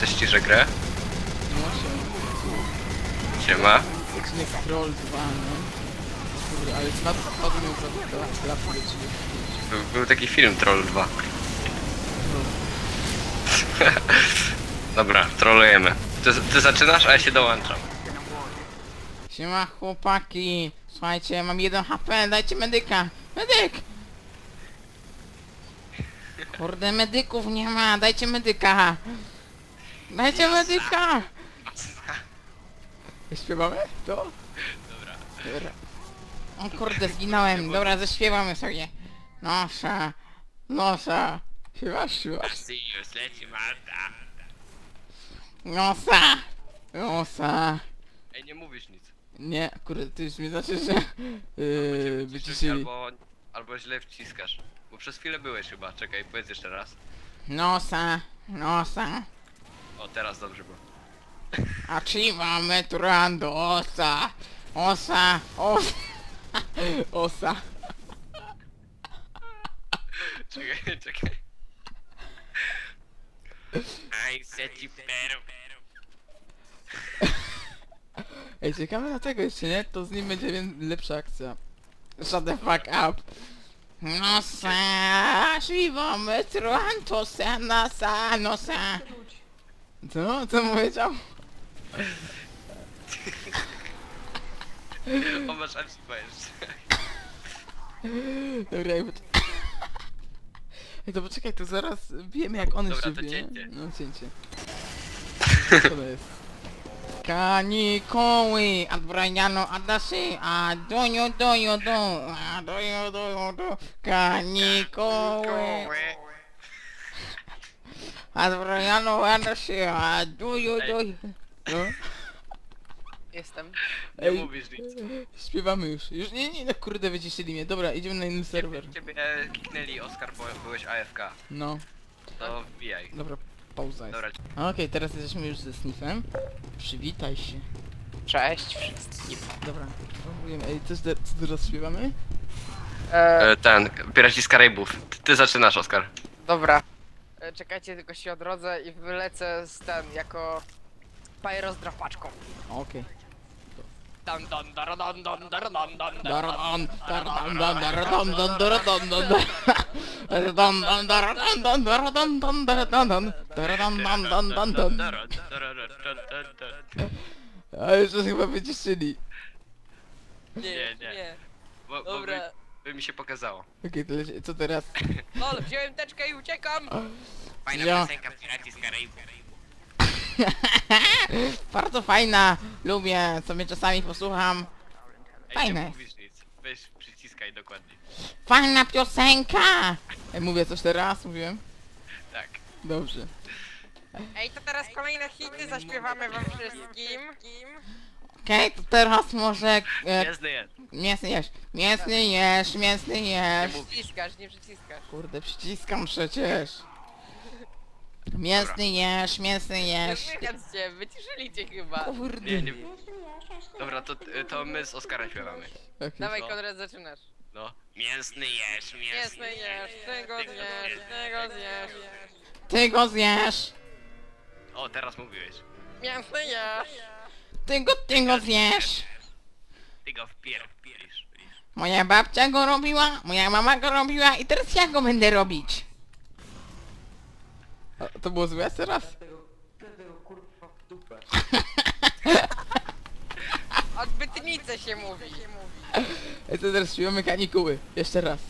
Ściszę grę. No się. Siema. Odcinek Troll 2, no. Kurde, ale spadł mi naprawdę do klapy do ciebie. Był taki film Troll 2. Dobra, trollujemy. Ty zaczynasz, a ja się dołączam. Siema chłopaki. Słuchajcie, mam 1 HP, dajcie medyka. Medyk! Kurde, medyków nie ma, dajcie medyka. Dajcie medyka! Śpiewamy to? Dobra. Dobra. O kurde, zginąłem. Dobra, zaśpiewamy sobie. Nosa, nosa. Śpiewasz? Już leci Marta. Nosa, nosa. Ej, nie mówisz nic. Nie, kurde, ty już mi znaczy, że wyciszyli. Albo źle wciskasz. Bo przez chwilę byłeś chyba. Czekaj, powiedz jeszcze raz. Nosa, nosa. O, teraz dobrze było. Achieva metrando, osa. Osa, osa. Osa. Czekaj. I set you better. Ej, czekamy na tego jeszcze, nie? To z nim będzie lepsza akcja. Shut the fuck up. Nosa, achieva metrando, osa, nosa, nosa. Co? Co mu powiedział? O, masz Archiva jeszcze. Dobra, ej, to poczekaj, to zaraz wiemy jak on Dobra, jeszcze to wie. cięcie. No cięcie. Co to jest? Kanikoły, Adbriano Adasi, a dojo dojo do, a dojo dojo do, kanikoły, Adbriano Adasi, a dojo dojo. No? Jestem. Nie Ej, mówisz nic. Śpiewamy już. Już nie, no kurde, wyciszyli mnie. Dobra, idziemy na inny serwer. Ciebie kiknęli, Oskar, bo byłeś AFK. No, To wbijaj. dobra, pauza jest. Dobra. Okej, teraz jesteśmy już ze Sniffem. Przywitaj się. Cześć wszystkim. Dobra, próbujemy. Ej, co teraz śpiewamy? Ten, Piraci z Karaibów. Ty zaczynasz, Oskar. Dobra. Czekajcie, tylko się odrodzę i wylecę z jako pyro z drapaczką. Okej. Dan dan dar dan dan dar dan dan Daradon, daradon, daradon, daradon, daradon, daradon, daradon, daradon, daradon, daradon. A już to chyba wyciszyli. Nie. Bo Dobra. by mi się pokazało. Okej, to leci. Co teraz? Lol, wziąłem teczkę i uciekam! Fajna Ja. piosenka Piraci z Karaibów. Bardzo fajna. Lubię, sobie czasami posłucham. Ej, Fajne. nie mówisz nic. Weź przyciskaj dokładnie. Fajna piosenka! Ej, mówię coś teraz? Mówiłem? Tak. Dobrze. Ej, to teraz kolejne hity zaśpiewamy wam wszystkim. Okej, to teraz może... Jasny jest. Mięsny jesz, mięsny jesz, mięsny jesz. Nie Przyciskasz, nie przyciskasz. Kurde, przyciskam przecież. Mięsny jesz, mięsny Nie jesz. słychać cię, wyciszyli cię chyba. Kurde. Nie. Dobra, to my z Oskarem śpiewamy. Okej. Dawaj, Co? Konrad, zaczynasz. No. Mięsny jesz, Jasne jesz, tego zjesz, tego zjesz. Ty go zjesz. O, teraz mówiłeś. Mięsny jesz. Ty go zjesz. Ty go wpierdolisz. Moja babcia go robiła, moja mama go robiła i teraz ja go będę robić. A, to było złe teraz? Odbytnice się mówi. Ej, to teraz śpiewamy kanikuły. Jeszcze raz.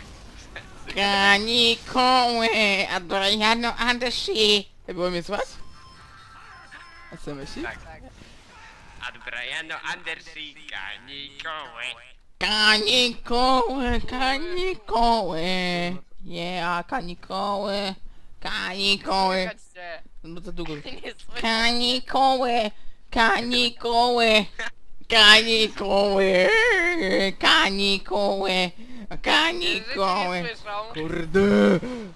Kanikuły, Adriano Andersi. Ej, było mnie słychać? A co myślisz? Tak. Ad Briano Andersi, kanikoły. Kanikoły, kanikoły. Yeah, kanikoły. Kanikoły. Słychać cię. No za długo. Nie słychać. Kanikoły, kanikoły. Kanikoły, kanikoły, kanikoły. Nie słyszą. Kurde.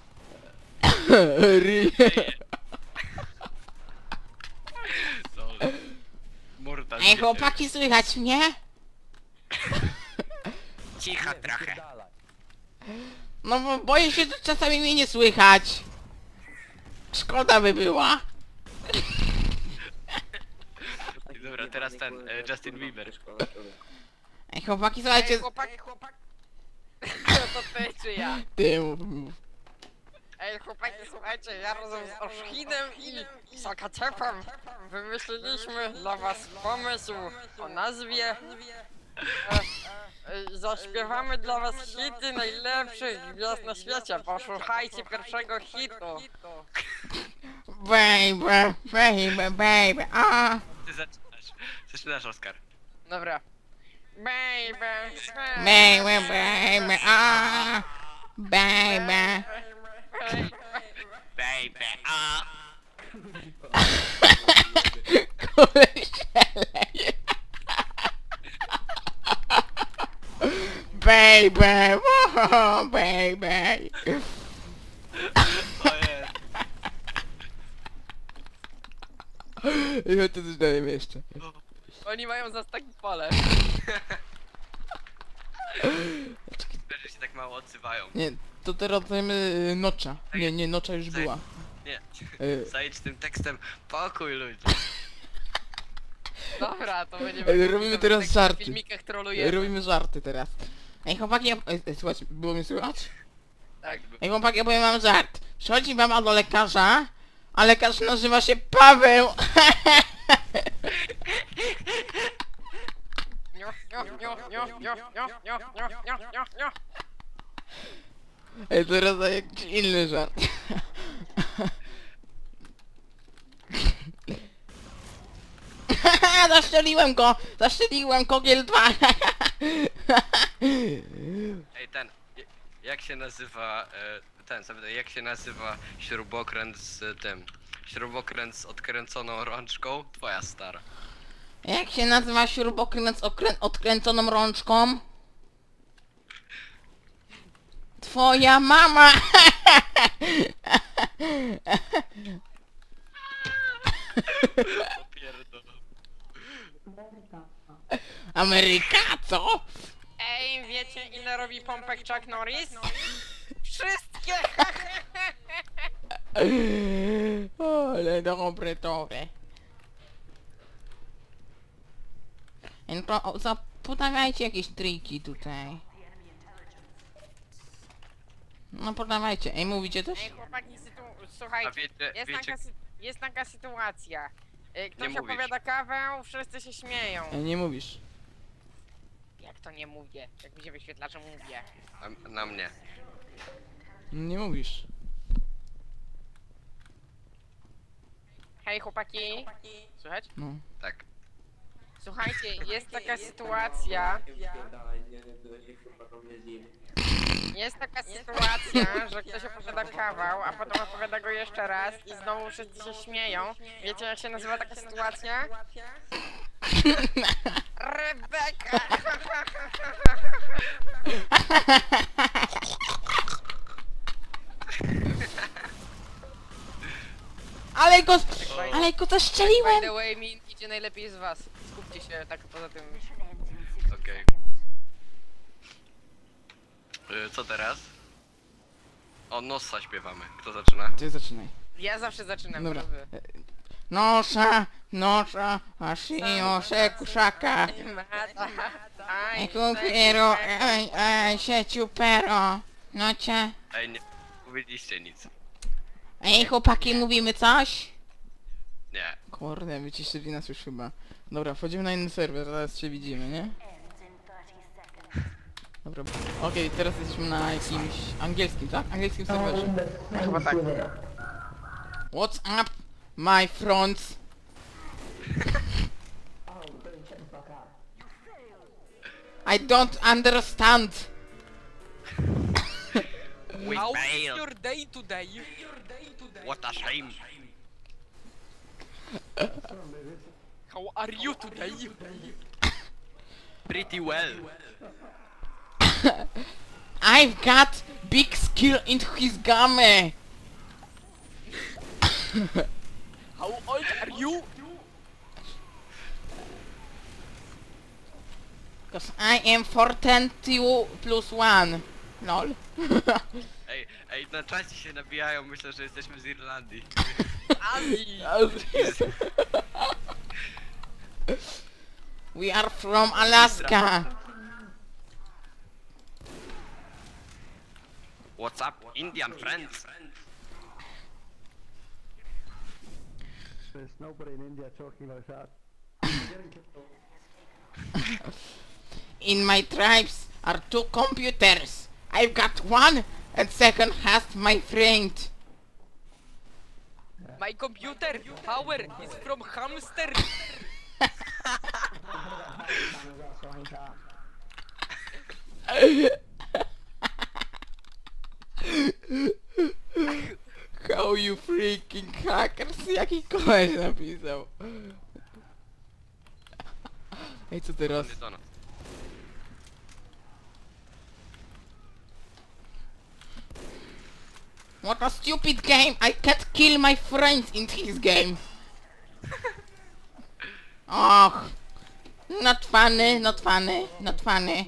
Morda. Ej, chłopaki, słychać mnie? Cicha trochę. No bo boję się, że czasami mnie nie słychać. Szkoda by była. Dobra, teraz ten, Justin Bieber. Ej, chłopaki, Ej, słuchajcie... chłopak. To ty czy ja? Ty mów. Ej, chłopaki, słuchajcie, ja razem z Oszchinem i Sakacepem wymyśliliśmy dla was pomysł o nazwie. Zaśpiewamy dla was hity najlepszych gwiazd na świecie. Posłuchajcie pierwszego hitu. Baby, baby, baby, a. Ty zaczynasz. Zaczynasz, Oskar. Dobra. Baby, Baby, baby, a. Baby. Baby, a. Baby, oh, baby. O jest. I chodź, to coś dajemy jeszcze. Oni mają za taki pole. Że się tak mało odzywają. Nie, to teraz dajemy Nocza. Nie, Nocza już była. Nie. Y, Zajdź tym tekstem. Pokój ludzi. Dobra, to będziemy... Ej, robimy teraz w żarty. filmikach trolujemy. Robimy żarty teraz. Ej, chłopaki, słuchajcie, było mnie słychać? Tak. Ej, chłopaki, ja powiem wam żart. Przychodzi mama do lekarza, a lekarz nazywa się Paweł. Nio, nio, nio, nio, nio, nio, nio, nio, nio, nio, nio. Ej, teraz daję jakiś inny żart. Zaszczeliłem kogiel 2. Ej, ten. Jak się nazywa, jak się nazywa śrubokręt z tym? Śrubokręt z odkręconą rączką? Twoja stara. Jak się nazywa śrubokręt z odkręconą rączką? Twoja mama! Popierdol. Ameryka, co? Ej, wiecie ile robi pompek Chuck Norris? Wszystkie! O, ale dobre to. No, podawajcie jakieś triki tutaj. No podawajcie. Ej, mówicie coś? Ej, chłopaki, A słuchajcie, wiecie, wiecie, jest taka sytuacja. Ktoś Nie mówisz. opowiada kawę, wszyscy się śmieją. Ej, nie mówisz. Jak to nie mówię? Jak mi się wyświetla, że mówię. na mnie. Nie mówisz. Hej chłopaki. Słychać? No. Tak. Słuchajcie, jest taka sytuacja. Jest taka sytuacja, że ktoś opowiada kawał, a potem opowiada go jeszcze raz i znowu wszyscy się śmieją. Wiecie jak się nazywa taka sytuacja? Rebeka! Ale go By zaszczeliłem! the way, mi idzie najlepiej z was. Skupcie się tak poza tym. Okej. Co teraz? O, Nossa śpiewamy. Kto zaczyna? Ty zaczynaj. Ja zawsze zaczynam, Dobra. teraz wy. Nosza, ashio, sekuszaka. Kupiero, sieciu pero. Nocie. Ej, nie mówiliście nic. Ej, chłopaki, mówimy coś? Nie. Kurde, wyciszyli nas już chyba. Dobra, wchodzimy na inny serwer, zaraz się widzimy, nie? Dobra, okej, teraz jesteśmy na jakimś angielskim, tak? Angielskim serwerze. Chyba tak. What's up, my friends? I don't understand. We How is failed. your day today? What a shame. How are you today? Pretty well. I've got big skill in his game. How old are you? Cause I am 42 plus 1. Lol. Ej, na czacie się nabijają, myślę, że jesteśmy z Irlandii. Azji! We are from Alaska. What's up, Indian friends? There's nobody in India talking like that. In my tribes are 2 computers. I've got one and second has my friend. My computer power is from hamster! How you freaking hackers? Jaki koleś napisał? Ej, co teraz? Nie to no. What a stupid game! I can't kill my friends in this game! Och! Not funny, not funny, not funny.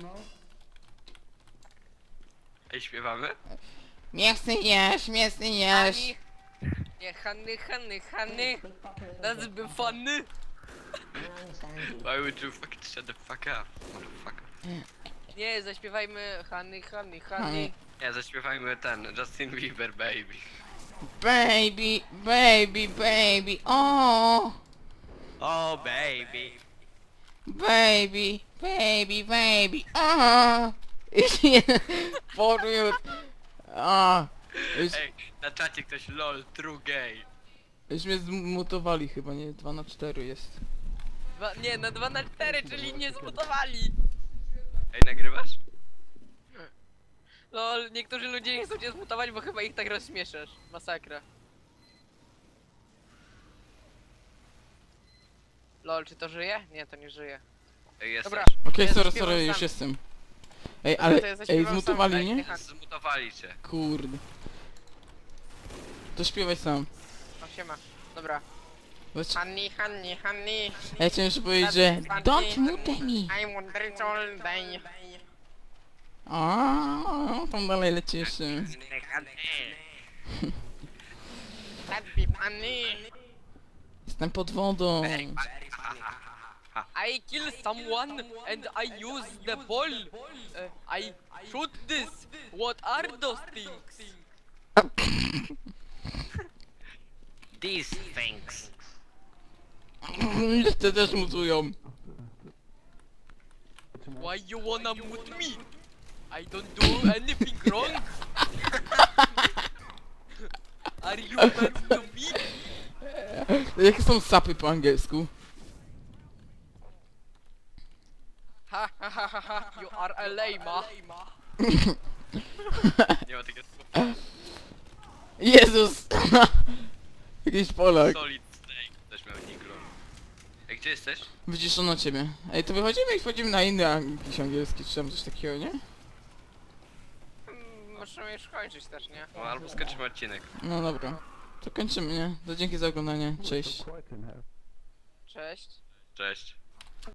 Ej, śpiewamy? Mięsny jesz, mięsny jesz. Honey. Nie, honey. That's be funny. Why would you fucking shut the fuck up, motherfucker? Nie, zaśpiewajmy honey. Honey. Nie, zaśpiewajmy ten, Justin Bieber, baby. Baby, baby, baby, oh! Oh, baby. Baby, baby, baby, oh! Forward. Ah, już, Ej, na czacie ktoś lol, true gay. już mnie zmutowali chyba, nie? 2 na 4 jest. Nie, na 2 na 4, czyli nie zmutowali. Ej, nagrywasz? Lol, niektórzy ludzie nie chcą cię zmutować, bo chyba ich tak rozśmieszasz. Masakra. Lol, czy to żyje? Nie, to nie żyje. Ej, jest Dobra. Okej, Ja sorry, zaśpiewam sorry, sam. już jestem. Ej, Dobra, ale, to ja zaśpiewam ej, sam. zmutowali Ej, mnie? niech- Zmutowali cię. Kurde. To śpiewaj sam. O, siema. Dobra. Zobacz, Honey. ja chciałem jeszcze powiedzieć, że don't mute me. I wonder all day. O, tam dalej leci jeszcze. That be funny. Jestem pod wodą. I kill someone and I use the ball. I shoot this. What are those things? These things. Jeszcze też mutują. Why you wanna mute me? I don't do anything wrong. Are you mad to me? Jakie są sapy po angielsku? Ha ha ha ha ha. You are a lame. Nie ma takiego słowa. Jezus! Jakiś Polak. Solid snake. Też miał niklo. Ej, gdzie jesteś? Wyciszono ciebie. Ej, to wychodzimy i wchodzimy na inny jakiś angielski, czy tam coś takiego, nie? Możemy już kończyć też, nie? No, albo skończymy odcinek. No dobra. To kończymy, nie? To dzięki za oglądanie. Cześć. Quite in here. Cześć. Cześć.